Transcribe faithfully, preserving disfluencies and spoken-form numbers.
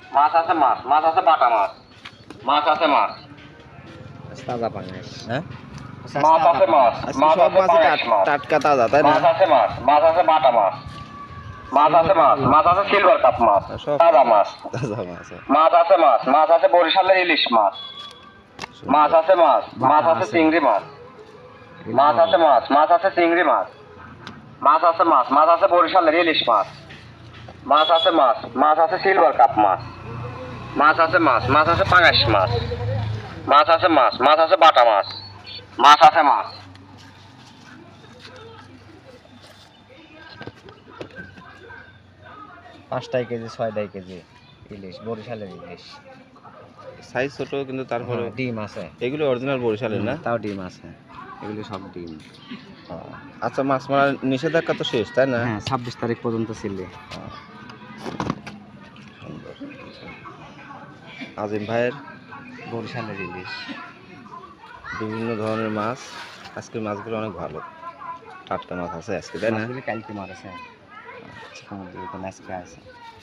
মাছ আছে মাছ মাছ আছে বাটা মাছ মাছ আছে মাছ তাজা পাঙ্গাস হ্যাঁ মাছ আছে মাছ আজকে মাছ সব আছে মাছই পাঙাশ মাছ টাটকা তাজা তাই না মাছ আছে মাছ মাছ আছে বাটা মাছ মাছ আছে মাছ মাছ আছে সিলভার কাপ মাছ সব তাজা মাছ তাজা মাছ মাছ আছে মাছ মাছ আছে বরিশালের ইলিশ মাছ মাছ আছে মাছ মাছ আছে চিংড়ি মাছ মাছ আছে মাছ মাছ আছে চিংড়ি মাছ মাছ আছে মাছ মাছ আছে বরিশালের ইলিশ মাছ মাছ আছে মাছ মাছ আছে সিলভার কাপ মাছ মাছ আছে মাছ মাছ আছে পাঙাশ মাছ মাছ আছে মাছ মাছ আছে বাটা মাছ মাছ আছে মাছ পাঁচটাই কেজি ছয়টাই কেজি ইলিশ বরিশালের ইলিশ। সাইজ ছোট কিন্তু তারপরে হ্যাঁ, ডিম আছে এগুলো অরিজিনাল বরিশালের না তাও ডিম আছে এগুলি সব ডিম। আচ্ছা মাছ মারার নিষেধাজ্ঞা তো শেষ তাই না হ্যাঁ ছাব্বিশ তারিখ পর্যন্ত ছিল। সুন্দর আজিম ভাইয়ের বরিশালের ইলিশ বিভিন্ন ধরনের মাছ আজকের মাছগুলো অনেক ভালো টাটকা মাছ আছে আজকে তাই না মাছগুলি কালকে মারেছে সমুদ্রে আজকে আছে।